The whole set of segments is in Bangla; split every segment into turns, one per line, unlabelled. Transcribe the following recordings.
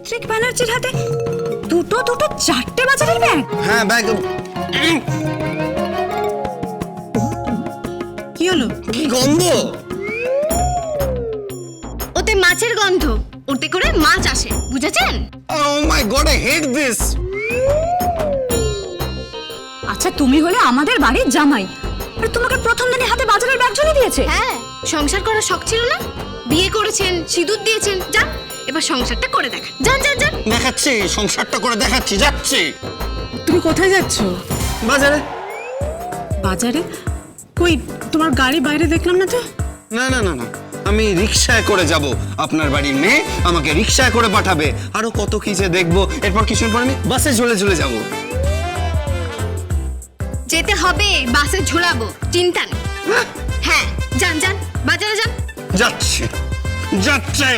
রুদ্রিক ব্যানার্জির হাতে দুটো দুটো চারটে বাজারের ব্যাগ?
হ্যাঁ ব্যাগ।
কি হলো?
কি গন্ধ!
ওতে মাছের গন্ধ, ওতে করে মাছ আসে, বুঝেছেন?
Oh my god, I hate this!
আচ্ছা, তুমি হলে আমাদের বাড়ির জামাই, আর তোমাকে প্রথম দিনে হাতে বাজারের ব্যাগ ঝুলিয়ে দিয়েছে?
হ্যাঁ, সংসার করার শখ ছিল না? বিয়ে করেছেন, সিঁদুর দিয়েছেন, যান এবার সংসারটা করে দেখা। যান যান যান।
দেখাচ্ছি, সংসারটা করে দেখাচ্ছি, যাচ্ছি।
তুমি কোথায় যাচ্ছ?
বাজারে।
বাজারে? কই, তোমার গাড়ি বাইরে দেখলাম না তো।
না না না না, আমি রিকশায় করে যাব। আপনার বাড়ির মেয়ে আমাকে রিকশায় করে পাঠাবে। আরো কত কি যে দেখবো। এরপর কিছুক্ষণ পর আমি বাসে ঝুলে যাব।
যেতে হবে, বাসে ঝোলাবো, চিন্তা নেই। হ্যাঁ, যান যান, বাজারে যান।
যাচ্ছি যাচ্ছি।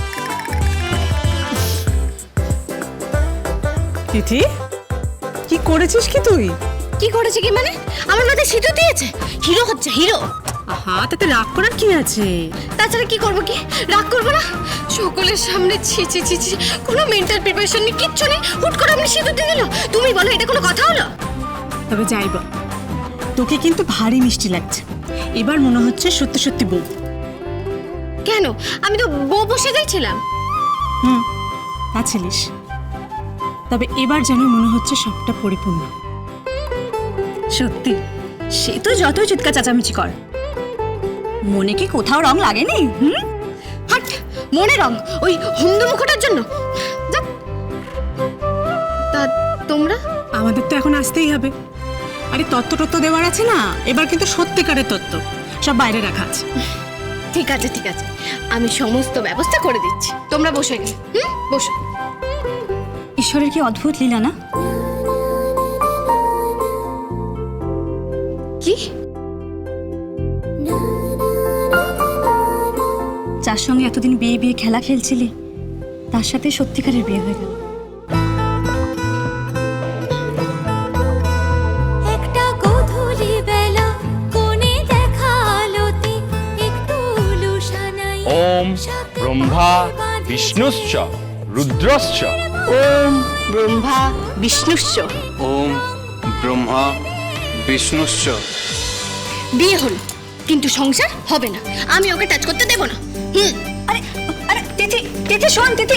তিথি, কি করেছিস কি তুই?
কি করেছে কি মানে? আমার মাথায় সিঁদুর দিয়েছে, হিরো হচ্ছে হিরো।
আহা, তাতে রাগ করার কি আছে?
তাছাড়া কি করবো, কি রাগ করবো না? সকলের সামনে ছি ছি ছি ছি, কোনো মেন্টাল প্রিপারেশন নেই, কিচ্ছু নেই, হুট করে আপনি সিঁদুর দিয়ে দিল। তুমি বলো, এটা কোনো কথা হলো?
তবে যাই বল, তোকে কিন্তু ভারী মিষ্টি লাগছে। এবার মনে হচ্ছে সত্যি সত্যি বউ।
কেন? আমি তো বউ বসে যাইছিলাম।
তা ছিলিস, তবে এবার যেন মনে হচ্ছে সবটা পরিপূর্ণ। সত্যি, সে তো যতই চিৎকার চেঁচামেচি কর, মনে কি কোথাও রং লাগেনি?
হাট, মনে রং ওই হুমদু মুখটার জন্য। যাক। তা তোমরা?
আমাদের তো এখন আসতেই হবে। আরে তত্ত্ব দেওয়ার আছে না, এবার কিন্তু সত্যিকারের তত্ত্ব, সব বাইরে রাখা আছে।
ঠিক আছে ঠিক আছে, আমি সমস্ত ব্যবস্থা করে দিচ্ছি, তোমরা বসে গে। বসো।
ঈশ্বরের কি অদ্ভুত লীলা না?
কি?
যার সঙ্গে এতদিন বিয়ে বিয়ে খেলা খেলছিলি, তার সাথে সত্যিকারের বিয়ে হয়ে গেল।
একটা গোধূলি বেলা কোণে দেখা আলোতে একটু লুসানাই
ওম ব্রহ্মা বিষ্ণুশ্চ রুদ্রশ্চ।
ওম ব্রহ্মা বিষ্ণুশ্চ।
ওম ব্রহ্মা বিষ্ণুশ্চ।
বিয়ে হলো, কিন্তু সংসার হবে না। আমি ওকে টাচ করতে দেব না।
আরে আরে তিথি, তিথি শোন তিথি।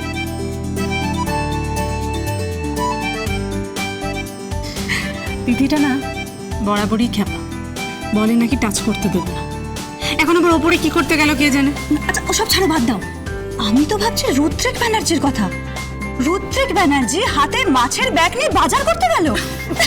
তিথিটা না বরাবরই খ্যাপা, বলে নাকি টাচ করতে দেবে না। এখন আবার ওপরে কি করতে গেল কে জানে। আচ্ছা, ওসব ছাড়ো, বাদ দাও। আমি তো ভাবছি রুদ্রিক ব্যানার্জির কথা। রুদ্রিক ব্যানার্জি হাতে মাছের ব্যাগ নিয়ে বাজার করতে গেল।